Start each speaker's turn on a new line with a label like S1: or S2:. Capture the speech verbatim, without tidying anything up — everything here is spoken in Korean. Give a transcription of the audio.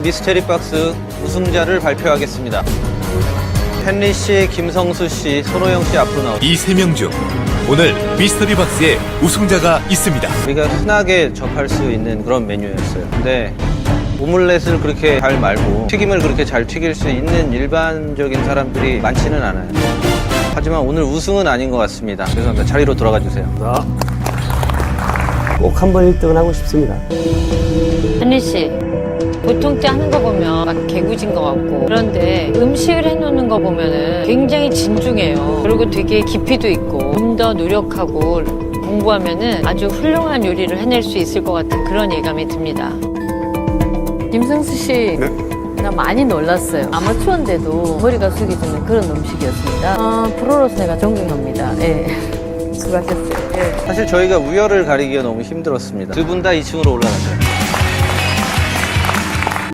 S1: 미스테리 박스 우승자를 발표하겠습니다. 헨리 씨, 김성수 씨, 손호영 씨 앞으로 나오죠.
S2: 이 세 명 중 오늘 미스터리 박스에 우승자가 있습니다.
S1: 우리가 흔하게 접할 수 있는 그런 메뉴였어요. 근데 오믈렛을 그렇게 잘 말고 튀김을 그렇게 잘 튀길 수 있는 일반적인 사람들이 많지는 않아요. 하지만 오늘 우승은 아닌 것 같습니다. 죄송합니다. 자리로 돌아가 주세요.
S3: 꼭 한번 일 등을 하고 싶습니다.
S4: 헨리 씨, 보통 때 하는 거 보면 막 개구진 것 같고 그런데 음식을 해놓는 거 보면은 굉장히 진중해요. 그리고 되게 깊이도 있고 좀 더 노력하고 공부하면은 아주 훌륭한 요리를 해낼 수 있을 것 같은 그런 예감이 듭니다.
S5: 김승수 씨,
S3: 네?
S5: 나 많이 놀랐어요. 아마추어인데도 머리가 숙여지는 그런 음식이었습니다. 어, 프로로서 내가 존경합니다. 예. 수고하셨어요. 예.
S1: 사실 저희가 우열을 가리기가 너무 힘들었습니다. 두 분 다 이 층으로 올라가세요.